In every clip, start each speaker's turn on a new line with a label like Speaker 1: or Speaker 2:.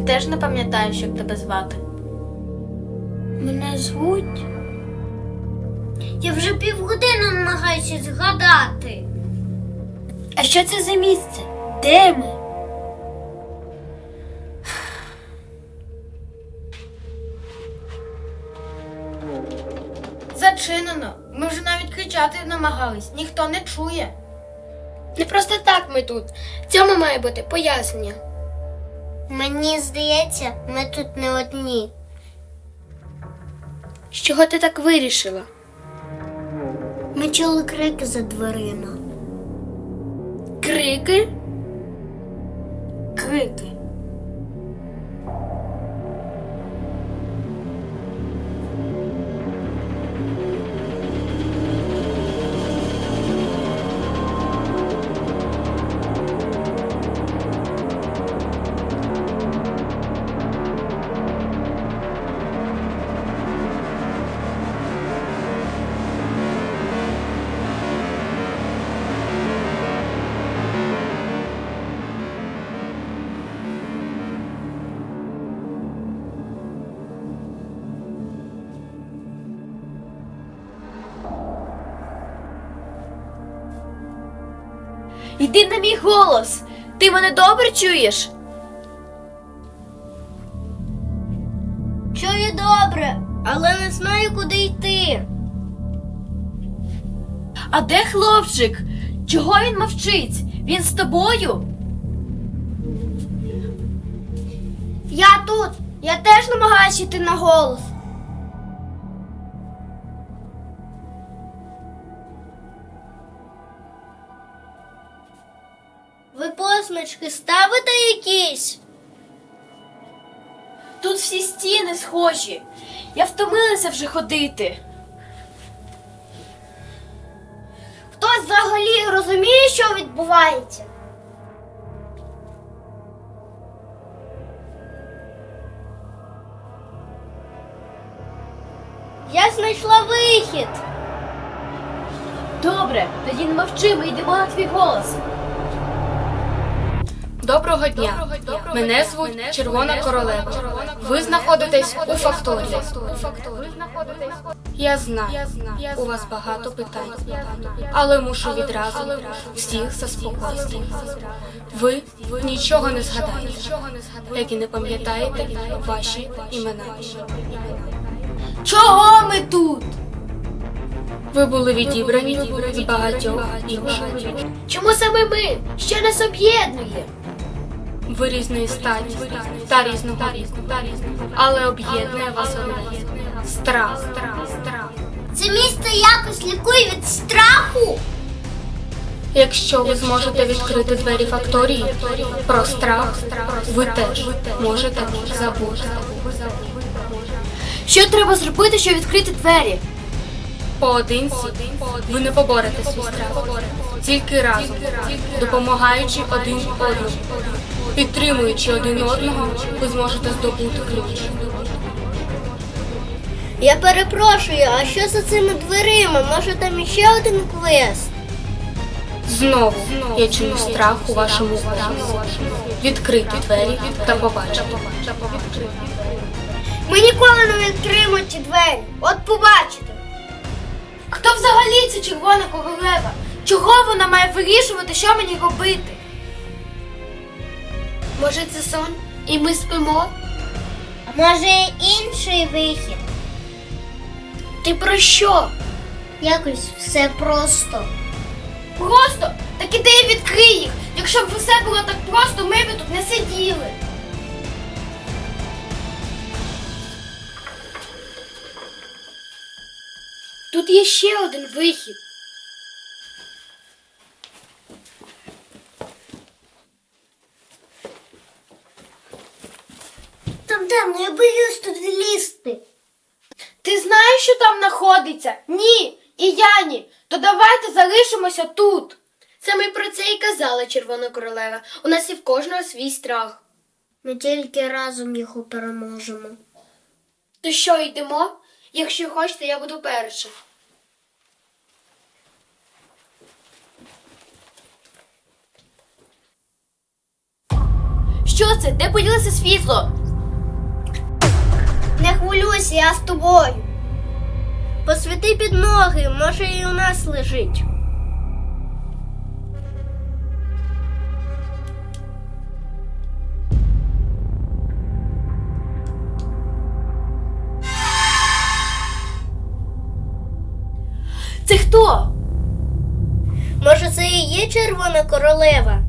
Speaker 1: теж не пам'ятаєш, як тебе звати.
Speaker 2: Мене звуть? Я вже півгодини намагаюся згадати. А що це за місце? Де ми?
Speaker 1: Зачинено. Ми вже навіть кричати намагались. Ніхто не чує.
Speaker 2: Не просто так ми тут. Цьому має бути пояснення. Мені здається, ми тут не одні. З чого ти так вирішила? Ми чули крики за дверима. Крики? Крики.
Speaker 1: Йди на мій голос! Ти мене добре чуєш?
Speaker 2: Чую добре, але не знаю, куди йти.
Speaker 1: А де хлопчик? Чого він мовчить? Він з тобою?
Speaker 2: Я тут. Я теж намагаюся йти на голос. Ви позначки ставите якісь?
Speaker 1: Тут всі стіни схожі. Я втомилася вже ходити.
Speaker 2: Хтось взагалі розуміє, що відбувається? Я знайшла вихід.
Speaker 1: Добре, тоді не мовчи, ми йдемо на твій голос.
Speaker 3: Доброго дня. Мене звуть Червона Королева. Ви знаходитесь у факторії. Я знаю, у вас багато питань, але мушу відразу всіх заспокоїти. Ви нічого не згадаєте, як і не пам'ятаєте ваші імена.
Speaker 1: Чого ми тут?
Speaker 3: Ви були відібрані з багатьох інших.
Speaker 1: Чому саме ми? Що нас об'єднує?
Speaker 3: Ви різної статі та різного віку, але об'єднує вас одне – страх.
Speaker 2: Це місце якось лікує від страху?
Speaker 3: Якщо ви зможете відкрити двері факторії, про страх ви теж можете забути.
Speaker 1: Що треба зробити, щоб відкрити двері?
Speaker 3: Поодинці ви не поборете свій страх, тільки разом, допомагаючи один одному, підтримуючи один одного, ви зможете здобути ключ.
Speaker 2: Я перепрошую, а що за цими дверима? Може там іще один квест?
Speaker 3: Знову я чую страх у вашому голосі. Відкрити двері та побачити.
Speaker 2: Ми ніколи не відкриємо ці двері. От побачите.
Speaker 1: Хто взагалі ця Червона Королева? Чого вона має вирішувати, що мені робити?
Speaker 2: Може це сон? І ми спимо? А може інший вихід?
Speaker 1: Ти про що?
Speaker 2: Якось все просто.
Speaker 1: Просто? Так іди і відкрий їх. Якщо б все було так просто, ми б тут не сиділи.
Speaker 2: Тут є ще один вихід. Там темно, я боюсь тут лізти.
Speaker 1: Ти знаєш, що там знаходиться? Ні, і я ні. То давайте залишимося тут.
Speaker 2: Саме про це і казала Червона Королева. У нас і в кожного свій страх. Ми тільки разом його переможемо.
Speaker 1: То що, йдемо? Якщо хочете, я буду перша. що це? Де поділося світло?
Speaker 2: Не хвилюйся, я з тобою. Посвіти під ноги, може і у нас лежить.
Speaker 1: Це хто?
Speaker 2: Може, це і є червона королева?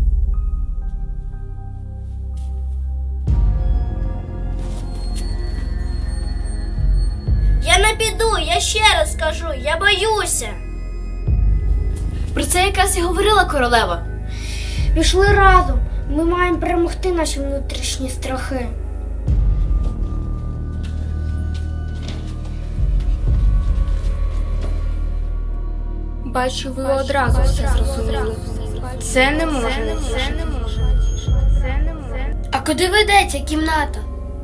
Speaker 2: Я не піду, я ще раз кажу, я боюся.
Speaker 1: Про це якраз і говорила королева.
Speaker 2: Пішли разом. Ми маємо перемогти наші внутрішні страхи.
Speaker 3: Бачу, ви одразу все зрозуміли. Це не може.
Speaker 1: А куди ведеться кімната?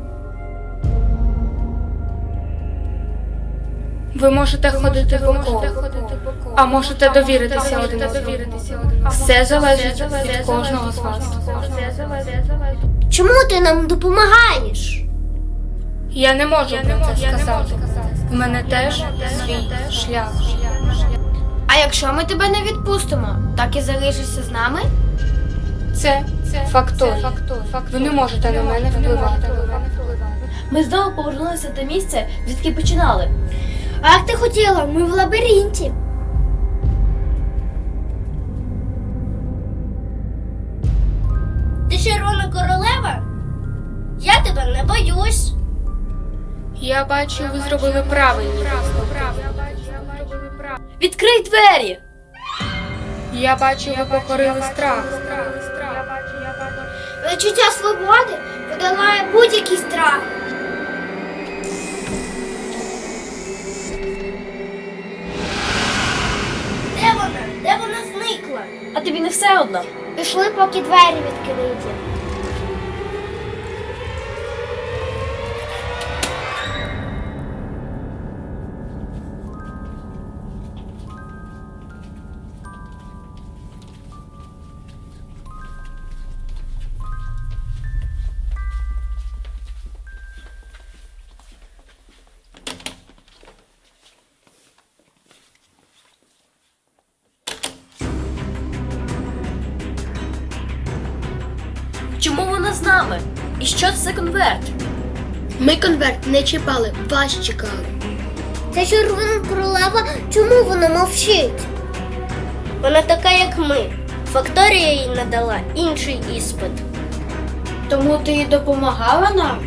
Speaker 3: Ви можете ходити по колу, а можете довіритися один одному. Все залежить від кожного з вас.
Speaker 2: Чому ти нам допомагаєш?
Speaker 3: Я не можу про це сказати. В мене теж свій шлях.
Speaker 1: А якщо ми тебе не відпустимо, так і залишишся з нами?
Speaker 3: Це факторія. Ви не можете на мене впливати.
Speaker 1: Ми знову повернулися до місця, звідки починали.
Speaker 2: А як ти хотіла? Ми в лабіринті. Ти червона королева? Я тебе не боюсь.
Speaker 3: Я бачу, ви зробили правильні висновки.
Speaker 1: Відкрий двері!
Speaker 3: Я бачу, ви покорили страх.
Speaker 2: Відчуття свободи подолає будь-який страх. Де вона? Де вона зникла?
Speaker 1: А тобі не все одно.
Speaker 2: Пішли, поки двері відкриті.
Speaker 1: Чому вона з нами? І що це конверт?
Speaker 2: Ми конверт не чіпали, вас чекали. Це червона королева, чому вона мовчить? Вона така, як ми. Факторія їй надала інший іспит.
Speaker 1: Тому ти їй допомагала нам?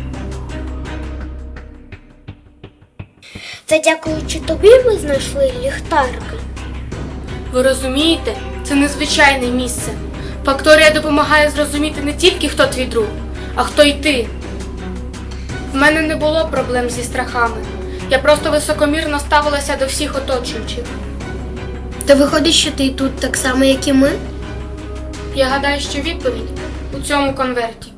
Speaker 2: Це дякуючи тобі ми знайшли ліхтарки.
Speaker 3: Ви розумієте, це незвичайне місце. Факторія допомагає зрозуміти не тільки, хто твій друг, а хто й ти. В мене не було проблем зі страхами. Я просто високомірно ставилася до всіх оточуючих.
Speaker 2: То виходить, що ти тут так само, як і ми?
Speaker 3: Я гадаю, що відповідь у цьому конверті.